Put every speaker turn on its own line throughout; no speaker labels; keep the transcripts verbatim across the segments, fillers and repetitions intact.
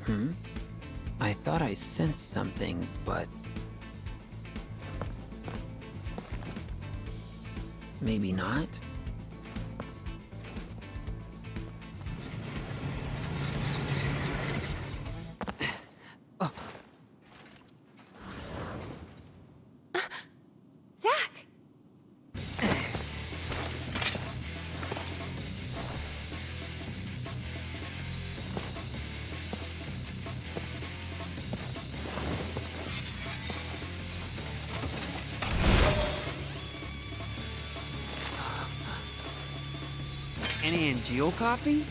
Hmm? I thought I sensed something, but... maybe not? Oh.
Zack!
An Angeal copy?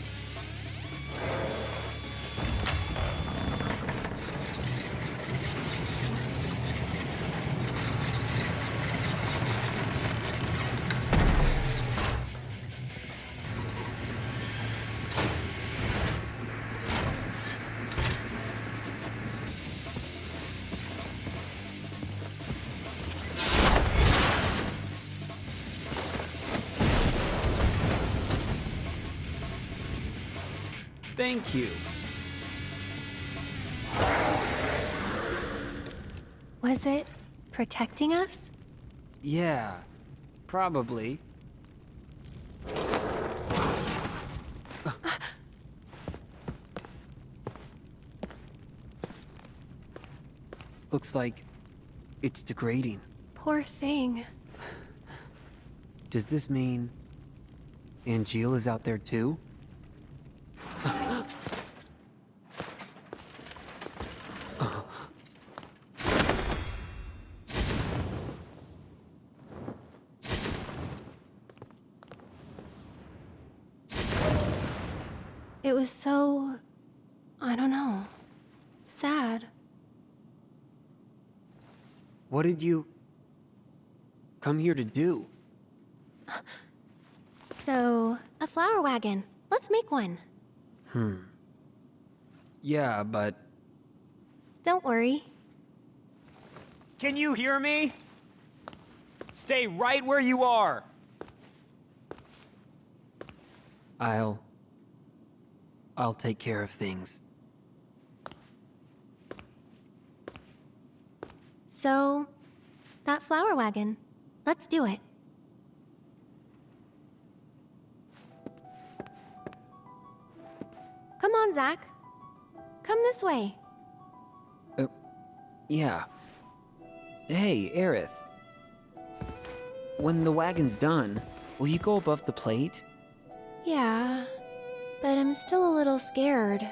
Thank you.
Was it protecting us?
Yeah, probably. Looks like it's degrading.
Poor thing.
Does this mean Angeal is out there too?
It was so... I don't know. Sad.
What did you come here to do?
So, a flower wagon. Let's make one.
Hmm. Yeah, but...
Don't worry.
Can you hear me? Stay right where you are.
I'll... I'll take care of things.
So, that flower wagon. Let's do it. Come on, Zack. Come this way.
Uh, yeah. Hey, Aerith. When the wagon's done, will you go above the plate?
Yeah, but I'm still a little scared.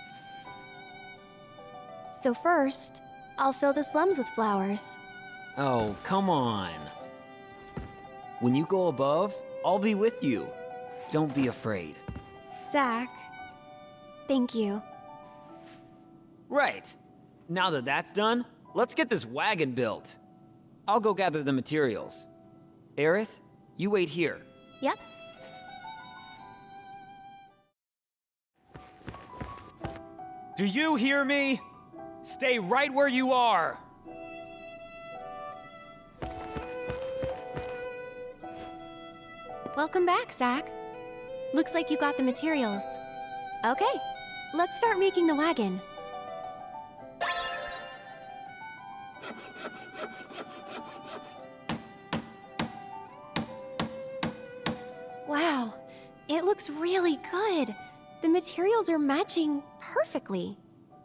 So first, I'll fill the slums with flowers.
Oh, come on. When you go above, I'll be with you. Don't be afraid.
Zack, thank you.
Right. Now that that's done, let's get this wagon built. I'll go gather the materials. Aerith, you wait here.
Yep.
Do you hear me? Stay right where you are.
Welcome back, Zack. Looks like you got the materials. Okay, let's start making the wagon. Wow, it looks really good. The materials are matching perfectly.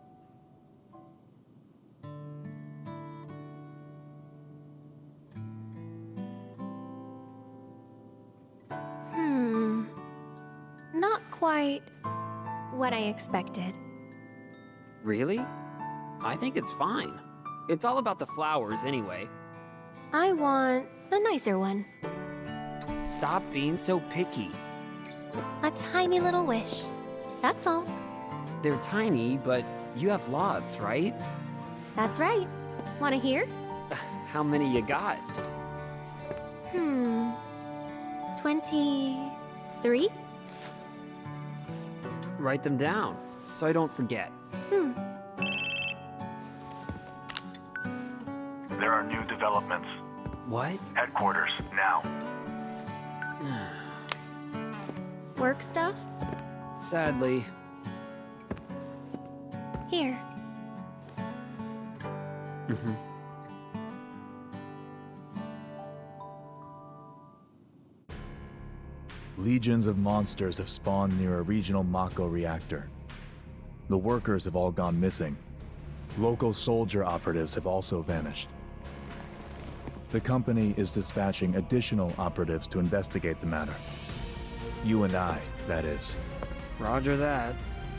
Hmm, not quite what I expected.
Really? I think it's fine. It's all about the flowers anyway.
I want the nicer one.
Stop being so picky.
A tiny little wish. That's all.
They're tiny, but you have lots, right?
That's right. Wanna hear?
How many you got?
Hmm. twenty-three?
Write them down, so I don't forget.
Hmm.
There are new developments.
What?
Headquarters, now.
Work stuff?
Sadly.
Here.
Mm-hmm.
Legions of monsters have spawned near a regional Mako reactor. The workers have all gone missing. Local soldier operatives have also vanished. The company is dispatching additional operatives to investigate the matter. You and I, that is.
Roger that.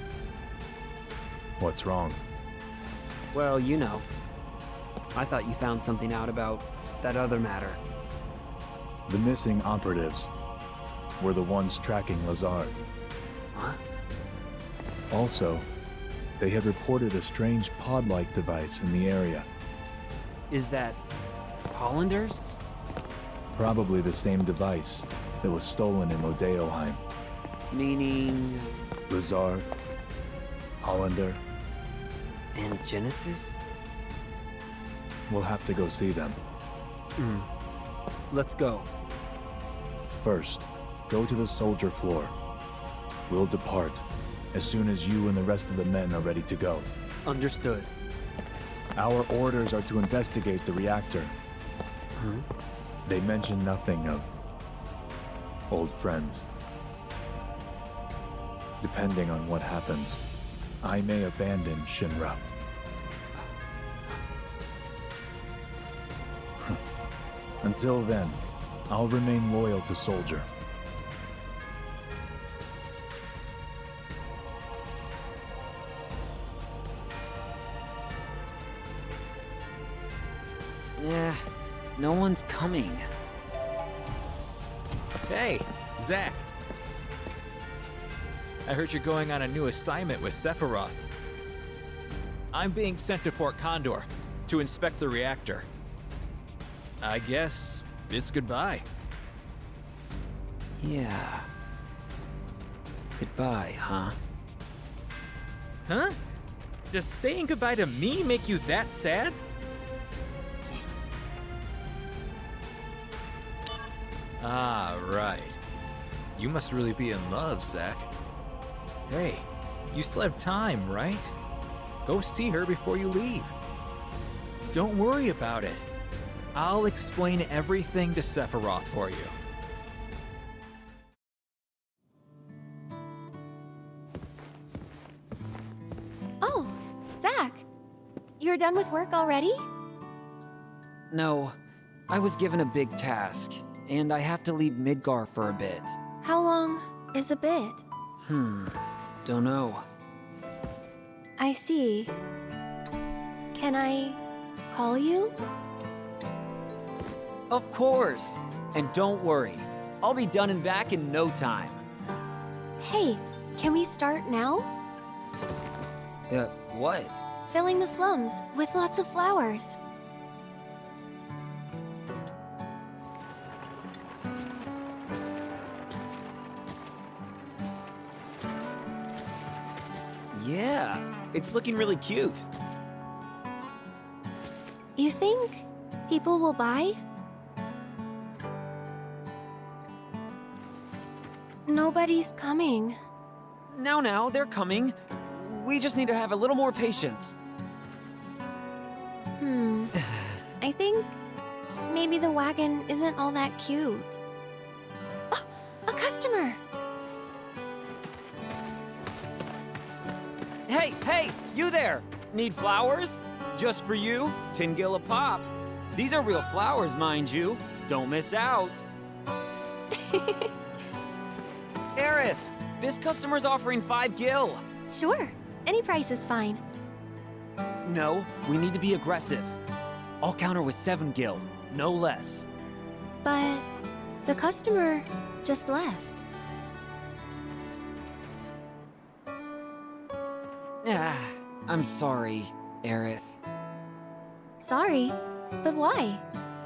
What's wrong?
Well, you know. I thought you found something out about that other matter.
The missing operatives were the ones tracking Lazard.
Huh?
Also, they had reported a strange pod-like device in the area.
Is that Hollanders?
Probably the same device that was stolen in Modeoheim.
Meaning...
Lazard, Hollander,
and Genesis?
we'll have to go see them.
Hmm. Let's go.
First, go to the soldier floor. We'll depart as soon as you and the rest of the men are ready to go.
Understood.
Our orders are to investigate the reactor.
Huh?
They mention nothing of old friends. Depending on what happens, I may abandon Shinra. Until then, I'll remain loyal to Soldier.
Yeah, no one's coming.
Hey, Zack. I heard you're going on a new assignment with Sephiroth. I'm being sent to Fort Condor to inspect the reactor. I guess it's goodbye.
Yeah. Goodbye, huh?
Huh? Does saying goodbye to me make you that sad? Ah, right. You must really be in love, Zack. Hey, you still have time, right? Go see her before you leave. Don't worry about it. I'll explain everything to Sephiroth for you.
Oh, Zack. You're done with work already?
No, I was given a big task, and I have to leave Midgar for a bit.
How long is a bit?
Hmm, don't know.
I see. Can I call you?
Of course! And don't worry, I'll be done and back in no time.
Hey, can we start now?
Uh, what?
Filling the slums with lots of flowers.
Yeah, it's looking really cute.
You think people will buy? Nobody's coming.
Now, now, they're coming. We just need to have a little more patience.
Hmm. I think maybe the wagon isn't all that cute. Oh, a customer!
Hey, hey, you there! Need flowers? Just for you, ten gil a pop. These are real flowers, mind you. Don't miss out. Aerith, this customer's offering five gil.
Sure, any price is fine.
No, we need to be aggressive. I'll counter with seven gil, no less.
But the customer just left.
Ah, I'm sorry, Aerith.
Sorry, but why?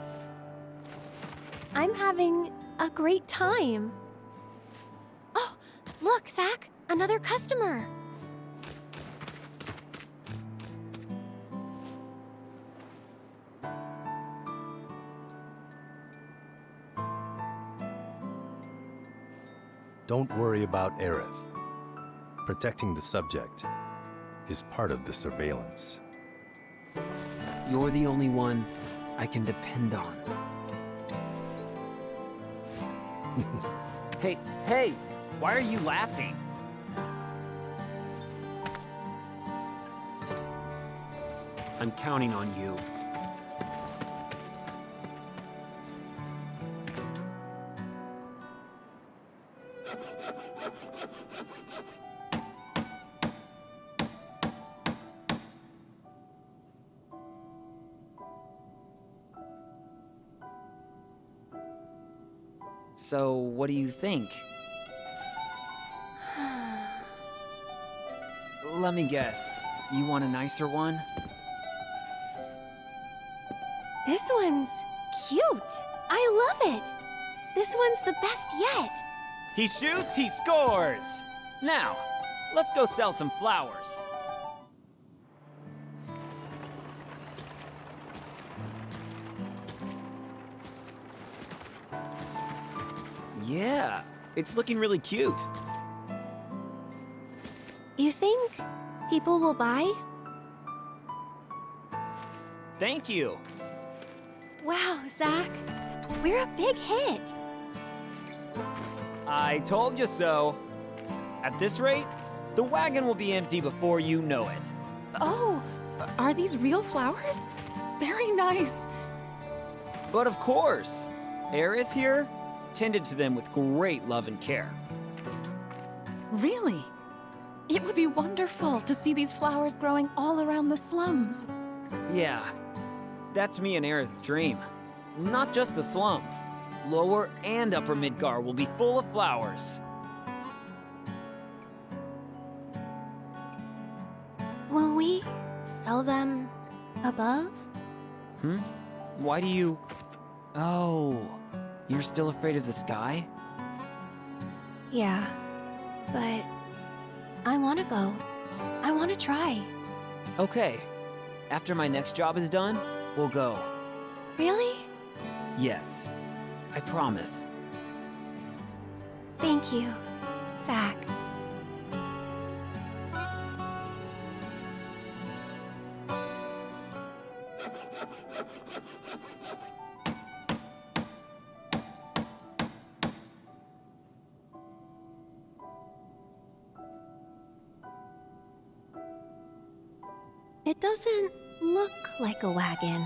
I'm having a great time. Oh, look, Zack, another customer.
Don't worry about Aerith. Protecting the subject is part of the surveillance.
You're the only one I can depend on.
Hey, hey, why are you laughing?
I'm counting on you.
So, what do you think? Let me guess. You want a nicer one?
This one's cute. I love it. This one's the best yet.
He shoots, he scores! Now, let's go sell some flowers. Yeah, it's looking really cute.
You think people will buy?
Thank you.
Wow, Zach. We're a big hit.
I told you so. At this rate, the wagon will be empty before you know it.
Oh, are these real flowers? Very nice.
But of course, Aerith here tended to them with great love and care.
Really? It would be wonderful to see these flowers growing all around the slums.
Yeah, that's me and Aerith's dream. Not just the slums. Lower and Upper Midgar will be full of flowers.
Will we sell them above?
Hmm? Why do you... Oh, you're still afraid of the sky?
Yeah, but I want to go. I want to try.
Okay, after my next job is done, we'll go.
Really?
Yes, I promise.
Thank you, Zach. It doesn't look like a wagon.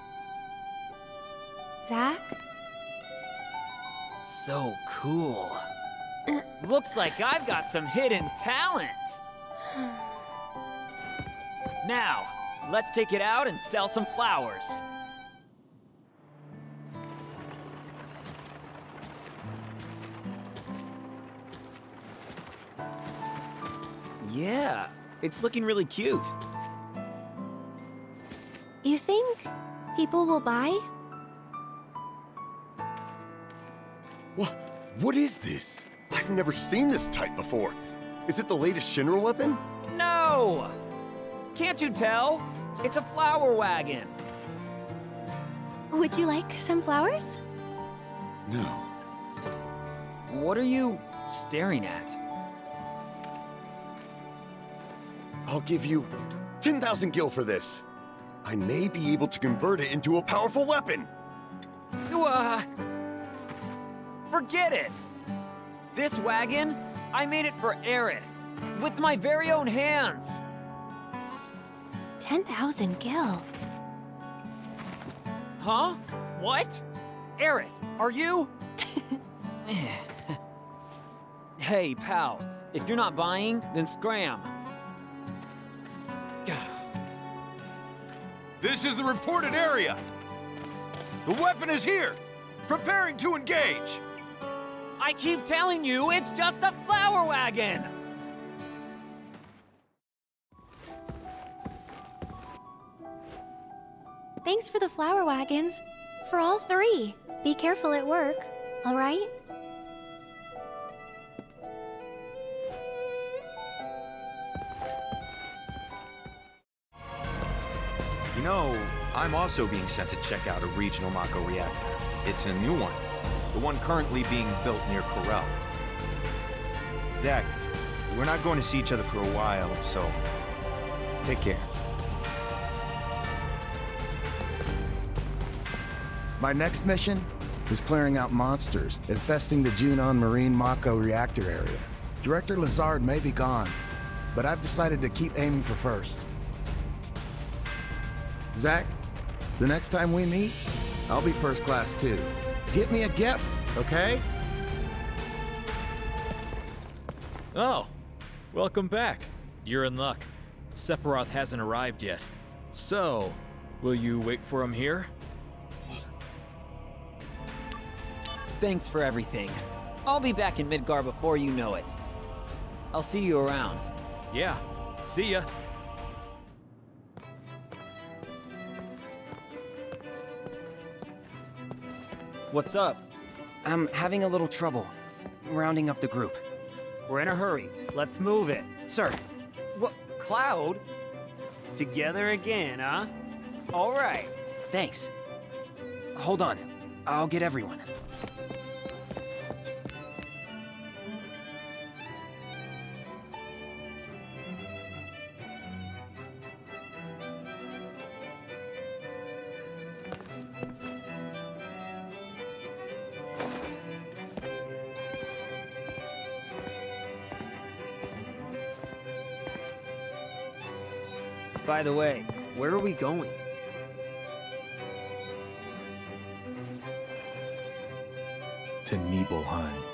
Zach?
So cool. Looks like I've got some hidden talent. Now, let's take it out and sell some flowers. Yeah, it's looking really cute.
You think people will buy?
What? What is this? I've never seen this type before. Is it the latest Shinra weapon?
No! Can't you tell? It's a flower wagon.
Would you like some flowers?
No.
What are you staring at?
I'll give you ten thousand gil for this. I may be able to convert it into a powerful weapon.
Uh, forget it! This wagon, I made it for Aerith, with my very own hands.
ten thousand gil.
Huh? What? Aerith, are you? Hey, pal, if you're not buying, then scram.
This is the reported area. The weapon is here, preparing to engage.
I keep telling you, it's just a flower wagon!
Thanks for the flower wagons. For all three. Be careful at work, all right?
You know, I'm also being sent to check out a regional Mako reactor. It's a new one. The one currently being built near Corel.
Zach, we're not going to see each other for a while, so
Take care.
My next mission is clearing out monsters infesting the Junon Marine Mako reactor area. Director Lazard may be gone, but I've decided to keep aiming for first. Zach, the next time we meet, I'll be first class too. Get me a gift, okay?
Oh, welcome back. You're in luck. Sephiroth hasn't arrived yet. So, will you wait for him here?
Thanks for everything. I'll be back in Midgar before you know it. I'll see you around.
Yeah, see ya.
What's up?
I'm having a little trouble rounding up the group.
We're in a hurry. Let's move it.
Sir.
What? Cloud? Together again, huh? All right.
Thanks. Hold on. I'll get everyone.
By the way, where are we going?
To Nibelheim.